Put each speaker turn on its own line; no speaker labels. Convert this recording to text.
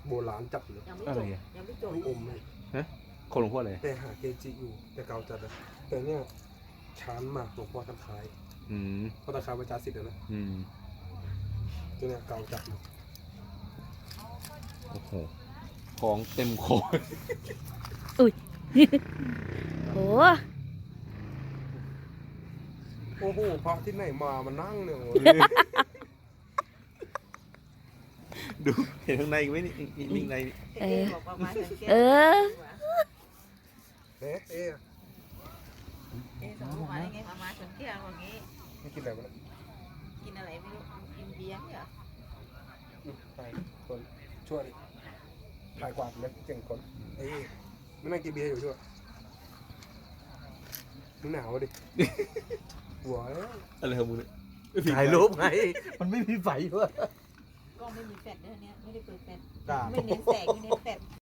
โบราณจับเลย
ยังไม่
อะ
จ
ไร
บ
อ่ะ
ยังไม่จบ
ลูกอมเลย
คนหลวงพ่อเลย
แต่หาเกจิอยู่แต่เก่าจัดเลยแต่เนี่ยช้านมากหลวงพ่อตะไคร้
อืม
พ่อตะไคร้ประจาสิทธิ์นะ
อืม
ตัวเนี่ยเก่าจัดเลย
โอ้โหของเต็มโคย
โอ้
โอ้โหพระที่ไหนมามานั่งเนี่ยโอ้ย
ดูเห็นข้างในไหมนี่นิ่งใน
เออบอกประมาณสังเกต
เออ
เอ๊ะเอ๊ะ
สมมติว่าไงประมาณสังเกตอย่างนี้
ไม่กินอะไรมาแล้ว
กินอะไรไม่รู้กินเบียร์เหรอ
ไปคนช่วยถ่ายกวาดเลยเก่งคนเอ้ยไม่นั่งกินเบียร์อยู่ช่วยมึงหนาวดิหัวแล้ว
อะไรของมึงเนี่ย
ถ่ายรูปไงมันไม่มีไฟด้วย
ก็ไม่มีแฟลชด้วยเนี่ยไม่ได้เปิดแฟลช
จ้า
ไม่เน้นแสงไม่เน้น